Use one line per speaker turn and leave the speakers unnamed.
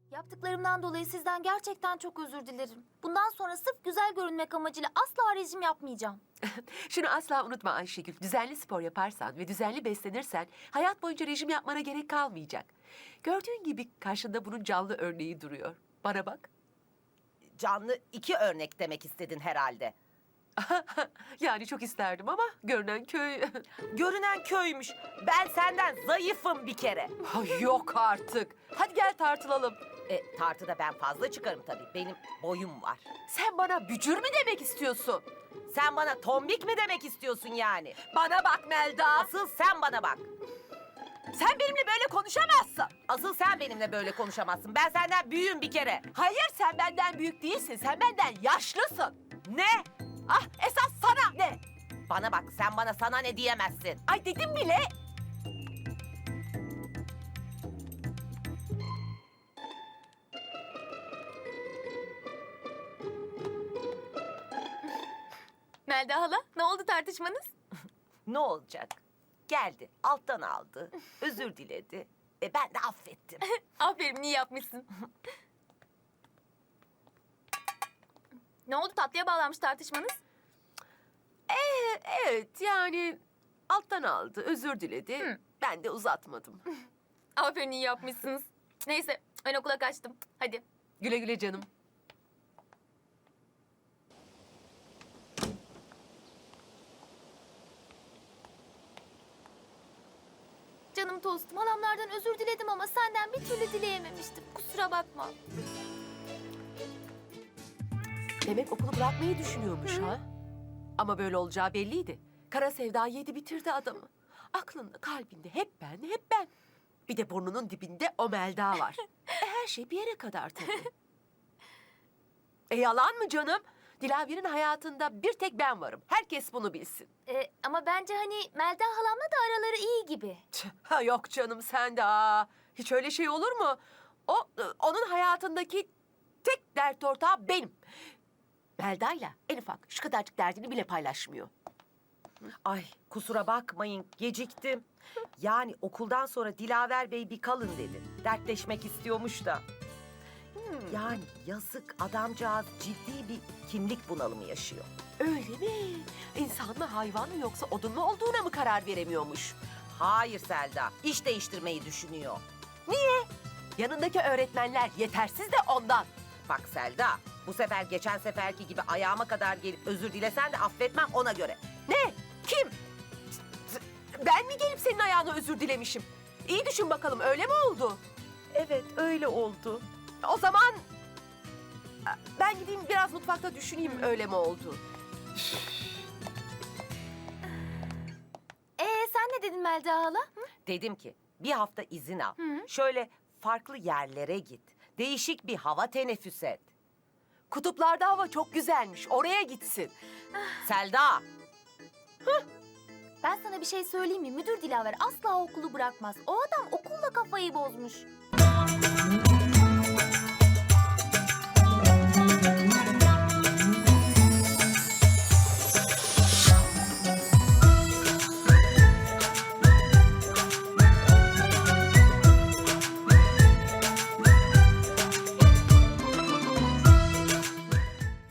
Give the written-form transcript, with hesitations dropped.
Yaptıklarımdan dolayı sizden gerçekten çok özür dilerim. Bundan sonra sırf güzel görünmek amacıyla asla rejim yapmayacağım.
Şunu asla unutma Ayşegül. Düzenli spor yaparsan ve düzenli beslenirsen hayat boyunca rejim yapmana gerek kalmayacak. Gördüğün gibi karşında bunun canlı örneği duruyor. Bana bak.
Canlı 2 örnek demek istedin herhalde.
Yani çok isterdim ama görünen köy...
Görünen köymüş. Ben senden zayıfım bir kere.
Ay, yok artık. Hadi gel tartılalım.
Tartıda ben fazla çıkarım tabii. Benim boyum var.
Sen bana bücür mü demek istiyorsun?
Sen bana tombik mi demek istiyorsun yani?
Bana bak Melda.
Asıl sen bana bak.
Sen benimle böyle konuşamazsın.
Asıl sen benimle böyle konuşamazsın. Ben senden büyüğüm bir kere.
Hayır, sen benden büyük değilsin. Sen benden yaşlısın.
Ne?
Ah, esas sana ne?
Bana bak, sen bana sana ne diyemezsin.
Ay dedim bile.
Melda hala, ne oldu tartışmanız?
Ne olacak? Geldi, alttan aldı, özür diledi. Ben de affettim.
Aferin, iyi yapmışsın. Ne oldu, tatlıya bağlanmış tartışmanız?
Evet, yani alttan aldı, özür diledi.
Hı.
Ben de uzatmadım.
Aferin, iyi yapmışsınız. Neyse, ben okula kaçtım. Hadi.
Güle güle canım.
Canım tostum, halamlardan özür diledim ama senden bir türlü dileyememiştim. Kusura bakma.
Demek okulu bırakmayı düşünüyormuş ha? Ama böyle olacağı belliydi. Kara sevda yedi bitirdi adamı. Aklında, kalbinde hep ben, hep ben. Bir de burnunun dibinde o Melda var. Her şey bir yere kadar tabii. Yalan mı canım? Dilaver'in hayatında bir tek ben varım. Herkes bunu bilsin.
Ama bence hani Melda halamla da araları iyi gibi.
Ha, yok canım, sen de hiç öyle şey olur mu? Onun hayatındaki tek dert ortağı benim. Melda'yla en ufak şu kadarcık derdini bile paylaşmıyor.
Ay, kusura bakmayın, geciktim. Yani okuldan sonra Dilaver Bey bir kalın dedi. Dertleşmek istiyormuş da. Yani yazık, adamcağız ciddi bir kimlik bunalımı yaşıyor.
Öyle mi? İnsan mı, hayvan mı, yoksa odun mu olduğuna mı karar veremiyormuş?
Hayır Selda, iş değiştirmeyi düşünüyor.
Yanındaki öğretmenler yetersiz de ondan.
Bak Selda, bu sefer geçen seferki gibi ayağıma kadar gelip özür dilesen de affetmem ona göre.
Ne? Kim? Ben mi gelip senin ayağına özür dilemişim? İyi düşün bakalım, öyle mi oldu?
Evet, öyle oldu.
O zaman ben gideyim biraz mutfakta düşüneyim, öyle mi oldu?
Sen ne dedin Melda hala?
Dedim ki bir hafta izin al.
Hı.
Şöyle farklı yerlere git. Değişik bir hava teneffüs et.
Kutuplarda hava çok güzelmiş, oraya gitsin.
Selda,
Ben sana bir şey söyleyeyim mi? Müdür Dilaver asla okulu bırakmaz. O adam okulla kafayı bozmuş.